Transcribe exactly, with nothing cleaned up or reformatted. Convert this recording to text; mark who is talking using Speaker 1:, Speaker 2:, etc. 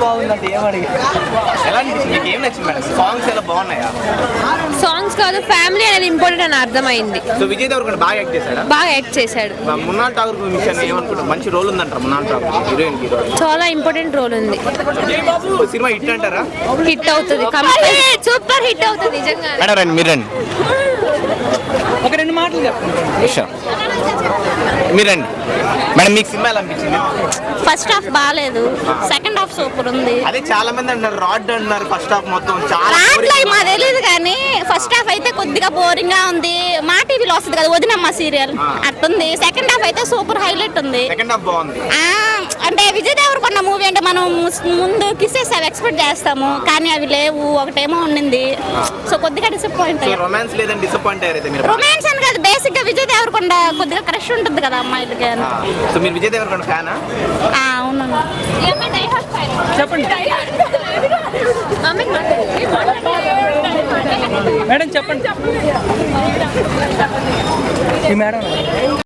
Speaker 1: బాగుందంటే ఏం అడిగి ఎలా అనిపించింది మీకు? ఏం నచ్చింది మేడం? సాంగ్స్ ఎలా బాగున్నాయా?
Speaker 2: సాంగ్స్ కాదు, ఫ్యామిలీ అనేది ఇంపార్టెంట్ అని అర్థమైంది.
Speaker 1: సో విజయ్ దేవరకొండ బాగా యాక్ట్ చేశాడా?
Speaker 2: బాగా యాక్ట్ చేశాడు.
Speaker 1: మున్నాల్ ఠాగూర్ విషయాన్ని ఏమనుకుంటారు? మంచి రోల్ ఉందంటారు మున్నాల్ ఠాగూర్ హీరోయిన్ కి.
Speaker 2: చాలా ఇంపార్టెంట్ రోల్ ఉంది.
Speaker 1: సినిమా హిట్ అంటారా?
Speaker 2: హిట్ అవుతుంది, సూపర్ హిట్ అవుతుంది నిజంగా.
Speaker 1: మేడం రండి, మీరు రండి,
Speaker 3: ఒక రెండు మాటలు చెప్పండి.
Speaker 1: మీరండి మేడం. మీకు సినిమా ఎలా అనిపించింది?
Speaker 4: ఫస్ట్ హాఫ్ బాగాలేదు, సెకండ్ హాఫ్ సూపర్ ఉంది.
Speaker 1: అదే చాలా మంది అంటారు రాడ్ అంటున్నారు ఫస్ట్ హాఫ్ మొత్తం చాలా
Speaker 4: రాట్లే మా తెలియదు కానీ ఫస్ట్ హాఫ్ అయితే కొద్దిగా బోరింగ్ గా ఉంది. మా టీవీలో వస్తుంది కదా వదినమ్మ సీరియల్ అట్టుంది. సెకండ్ హాఫ్ అయితే సూపర్ హైలైట్ ఉంది.
Speaker 1: సెకండ్ హాఫ్ బాగుంది.
Speaker 4: అంటే విజయ్ దేవరకొండ మూవీ అంటే మనం ముందు కిసెస్ అవి ఎక్స్పెక్ట్ చేస్తాము కానీ అవి లేవు. ఒకటేమో ఉండింది, సో కొద్దిగా డిసప్పాయింట్ అయ్యారు.
Speaker 1: రొమాన్స్ లేదని డిసప్పాయింట్ అయ్యారు మీరు?
Speaker 4: రొమాన్స్ అని కాదు, బేసిక్ గా విజయ్ దేవరకొండ కొద్దిగా క్రష్ ఉంటుంది కదా అమ్మాయిలకి.
Speaker 1: సో మీరు విజయ్ దేవరకొండ ఫ్యానా?
Speaker 4: అవునండి.
Speaker 3: చెప్పండి మేడం, చెప్పండి. ఈ మేడం